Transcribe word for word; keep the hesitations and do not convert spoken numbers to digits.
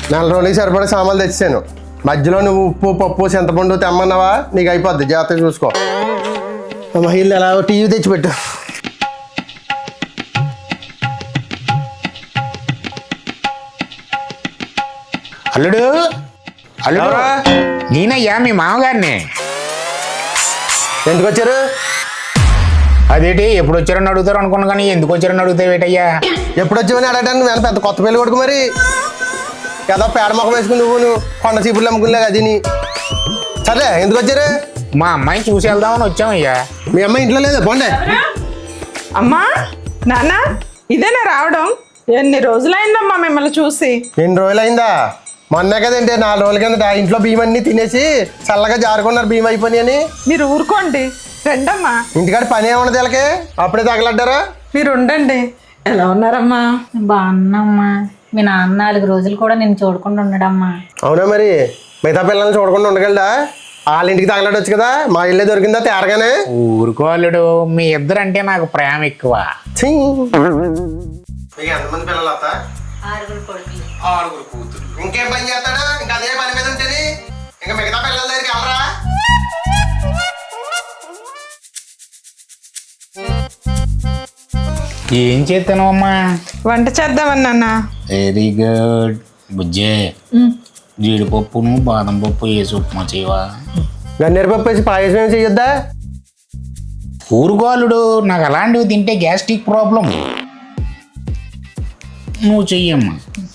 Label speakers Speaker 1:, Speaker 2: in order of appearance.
Speaker 1: నెల రోజులకి సరిపడే సామాన్లు తెచ్చాను. మధ్యలో నువ్వు ఉప్పు పప్పు చింతపండు తెమ్మన్నావా, నీకు అయిపోద్ది. జాగ్రత్తగా చూసుకో. మహిళ ఎలా టీవీ తెచ్చిపెట్టు.
Speaker 2: అల్లుడు అల్లుడు నేనయ్యా మీ మామగారిని.
Speaker 1: ఎందుకు వచ్చారు?
Speaker 2: అదేంటి ఎప్పుడు వచ్చారని అడుగుతారు అనుకున్నా కానీ ఎందుకు వచ్చారని అడుగుతావేటయ్యా?
Speaker 1: ఎప్పుడు వచ్చావని అడగటానికి నేను పెద్ద కొత్త పెళ్లి కొడుకు మరి. ఏదో పేడ మొక్క వేసుకుని నువ్వు నువ్వు కొండ చీపుర్లు అమ్ముకునేలాగా అది నీ. సరే ఎందుకు వచ్చారు?
Speaker 2: మా అమ్మాయిని చూసి వెళ్దామని వచ్చామయ్యా.
Speaker 1: మీ అమ్మాయి ఇంట్లో లేదు, పోండి.
Speaker 3: అమ్మా నాన్న ఇదేనా రావడం? ఎన్ని రోజులైందమ్మా మిమ్మల్ని చూసి.
Speaker 1: ఎన్ని రోజులైందా? మొన్నే కదండి, నాలుగు రోజుల కిందట ఇంట్లో బియ్యం అన్ని తినేసి చల్లగా జారుకున్నారు బియ్యం అయిపోయి అని.
Speaker 3: మీరు ఊరుకోండి, రండమ్మా.
Speaker 1: ఇంటికాడ పని ఏమన్నది వీళ్ళకి, అప్పుడే తగలడ్డారా?
Speaker 3: మీరు ఉండండి. ఎలా ఉన్నారమ్మా?
Speaker 4: బాగున్నామ్మా. మీ నాన్న నాలుగు రోజులు కూడా నేను చూడకుండా ఉండడమ్మా.
Speaker 1: అవునా, మరి మిగతా పిల్లల్ని చూడకుండా ఉండగలడా? వాళ్ళ ఇంటికి తగలడొచ్చు కదా, మా ఇల్లే దొరికిందా తేరగానే.
Speaker 2: ఊరుకో అల్లుడు, మీ ఇద్దరంటే నాకు ప్రేమ ఎక్కువ.
Speaker 1: ఎంతమంది పిల్లలు అత్త?
Speaker 4: ఆరుగురు కొడుకులు.
Speaker 1: ఆరుగురు కూతురు. ఇంకేం పని చేస్తాడా? ఇంకా అదే పని మీద ఉంటేనే ఇంకా మిగతా పిల్లల దగ్గరికి వెళ్ళరా?
Speaker 2: ఏం చేస్తాను అమ్మా?
Speaker 3: వంట చేద్దామని నాన్న.
Speaker 2: Very good బుజ్జే. జీడిపప్పును బాదం పప్పు వేసి ఉప్మా చేయవా?
Speaker 1: గన్నేరు పప్పు వేసి పాయసం ఏమి చెయ్యొద్దా?
Speaker 2: ఊరుకో అల్లుడు, నాకు అలాంటివి తింటే గ్యాస్ట్రిక్ ప్రాబ్లం. నువ్వు చెయ్యమ్మా.